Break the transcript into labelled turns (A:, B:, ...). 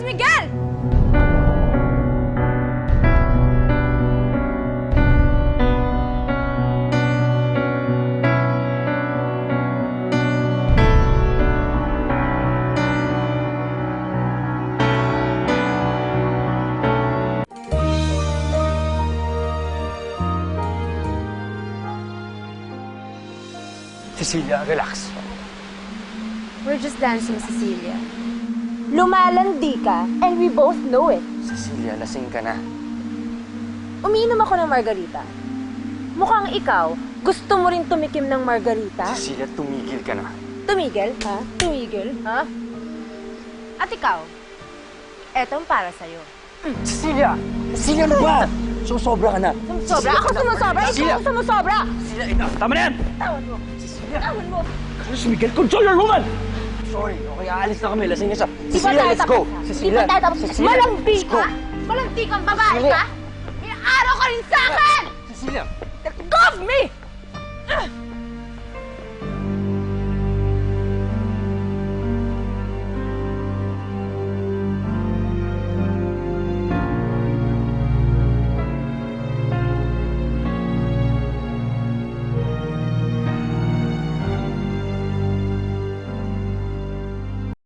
A: Miguel!
B: Cecilia, relax.
A: We're just dancing, Cecilia. Lumalandi ka, and we both know it.
B: Cecilia, lasing ka na.
A: Umiinom ako ng margarita. Mukhang ikaw, gusto mo rin tumikim ng margarita?
B: Cecilia, tumigil ka na.
A: Tumigil, ha? Tumigil, ha? At ikaw, etong para sa'yo.
B: Cecilia! Cecilia, ano ba? Susobra ka na.
A: Sumusobra? Ako sumusobra?
B: Cecilia!
A: Ikaw sumusobra!
B: Cecilia, enough! Tama na yan!
A: Tawan mo!
B: Cecilia!
A: Tawan mo!
B: Carlos Miguel, control your woman! Sorry, okay, aalis na kami. Lasing na siya.
A: Di ba
B: Cecilia,
A: tayo
B: let's
A: tapos
B: go!
A: na? Di
B: Cecilia!
A: ba tayo tapos?
B: Cecilia,
A: Malandi
B: let's go!
A: ka? Malandi kang babae
B: Cecilia!
A: ka? Inaaraw ka rin sa akin!
B: Cecilia!
A: Let go of me!